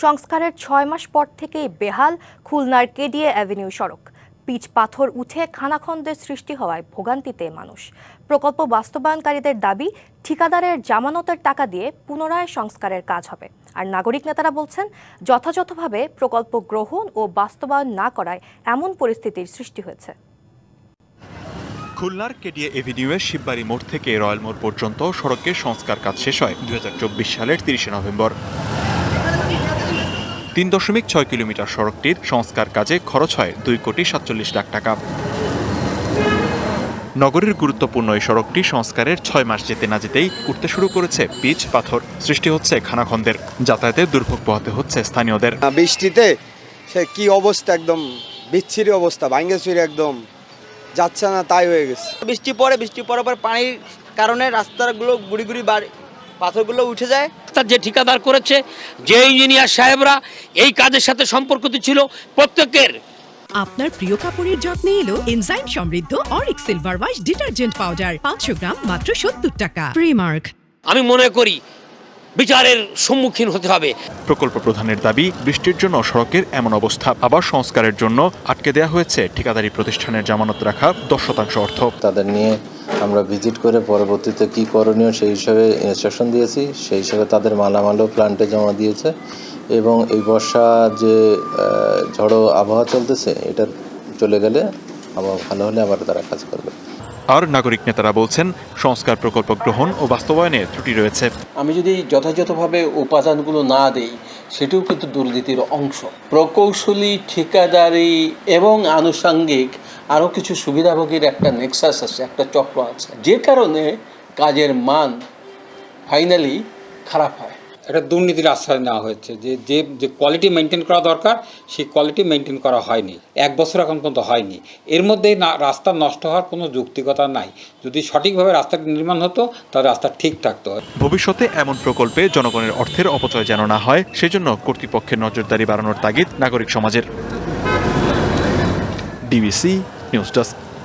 সংস্কারের ৬ মাস পর থেকেই বেহাল খুলনার কেডিএ অ্যাভিনিউ সড়ক। পিচ পাথর উঠে খানাখন্দের সৃষ্টি হওয়ায় ভোগান্তিতে মানুষ। প্রকল্প বাস্তবায়নকারীদের দাবি, ঠিকাদারের জামানতের টাকা দিয়ে পুনরায় সংস্কারের কাজ হবে। আর নাগরিক নেতারা বলছেন, যথাযথভাবে প্রকল্প গ্রহণ ও বাস্তবায়ন না করায় এমন পরিস্থিতির সৃষ্টি হয়েছে। খুলনার কেডিএ এভিনিউয়ের শিববাড়ি মোড় থেকে রয়্যাল মোড় পর্যন্ত সড়কের সংস্কার কাজ শেষ হয় ২০২৪ সালের ৩০ নভেম্বর। ৩.৬ কিলোমিটার সড়কটির সংস্কার কাজে খরচ হয় ২,৪৭ লাখ টাকা। নগরীর গুরুত্বপূর্ণ এই সড়কটি সংস্কারের ৬ মাস যেতে না যেতেই উঠতে শুরু করেছে পিচ পাথর, সৃষ্টি হচ্ছে খানাখন্দের, যাতায়াতে দুর্ভোগ পোহাতে হচ্ছে স্থানীয়দের। বৃষ্টিতে সে কি অবস্থা, একদম বিচ্ছিরি অবস্থা, ভাঙ্গে চুরি একদম যাচ্ছে না, তাই হয়ে গেছে। বৃষ্টি পরে পানির কারণে রাস্তাগুলো গুড়ি পাথরগুলো উঠে যায়। তার যে ঠিকাদার করেছে, যে ইঞ্জিনিয়ার সাহেবরা এই কাজের সাথে সম্পর্কিত ছিল, প্রত্যেকের। আপনার প্রিয় কাপড়ের যত্নে এলো এনজাইম সমৃদ্ধ অরিক silver wash detergent powder, 500 gram মাত্র 70 টাকা। প্রিমার্ক। আমি মনে করি বিচারের সম্মুখীন হতে হবে। প্রকল্প প্রধানের দাবি, বৃষ্টির জন্য সড়কের এমন অবস্থা। আবার সংস্কারের জন্য আটকে দেওয়া হয়েছে ঠিকাদারি প্রতিষ্ঠানের জামানত রাখা 10% অর্থ। তাদের নিয়ে আমরা ভিজিট করে পরবর্তীতে কি করণীয় সেই হিসাবে ইনস্ট্রাকশন দিয়েছি, সেই হিসাবে তাদের মালামালও প্ল্যান্টে জমা দিয়েছে এবং এই বর্ষা যে ঝড়ো আবহাওয়া চলতেছে, এটা চলে গেলে আবার ভালো হলে আবার তারা কাজ করবে। আর নাগরিক নেতারা বলছেন, সংস্কার প্রকল্প গ্রহণ ও বাস্তবায়নে ত্রুটি রয়েছে। আমি যদি যথাযথভাবে উপাদানগুলো না দেই, সেটাও কিন্তু দুর্নীতির অংশ। প্রকৌশলী, ঠিকাদারি এবং আনুষঙ্গিক আরও কিছু সুবিধাভোগীর একটা নেক্সাস আছে, একটা চক্র আছে, যে কারণে কাজের মান ফাইনালি খারাপ হয়। একটা দুর্নীতির আশ্রয় নেওয়া হয়েছে, যে কোয়ালিটি মেনটেন করা দরকার সেই কোয়ালিটি মেনটেন করা হয়নি। 1 বছর এখন পর্যন্ত হয়নি। এর মধ্যে রাস্তা নষ্ট হওয়ার কোনো যৌক্তিকতা নাই। যদি সঠিকভাবে রাস্তাটি নির্মাণ হতো তাহলে রাস্তা ঠিক থাকতো। ভবিষ্যতে এমন প্রকল্পে জনগণের অর্থের অপচয় যেন না হয়, সেজন্য কর্তৃপক্ষের নজরদারি বাড়ানোর তাগিদ নাগরিক সমাজের। DBC news desk.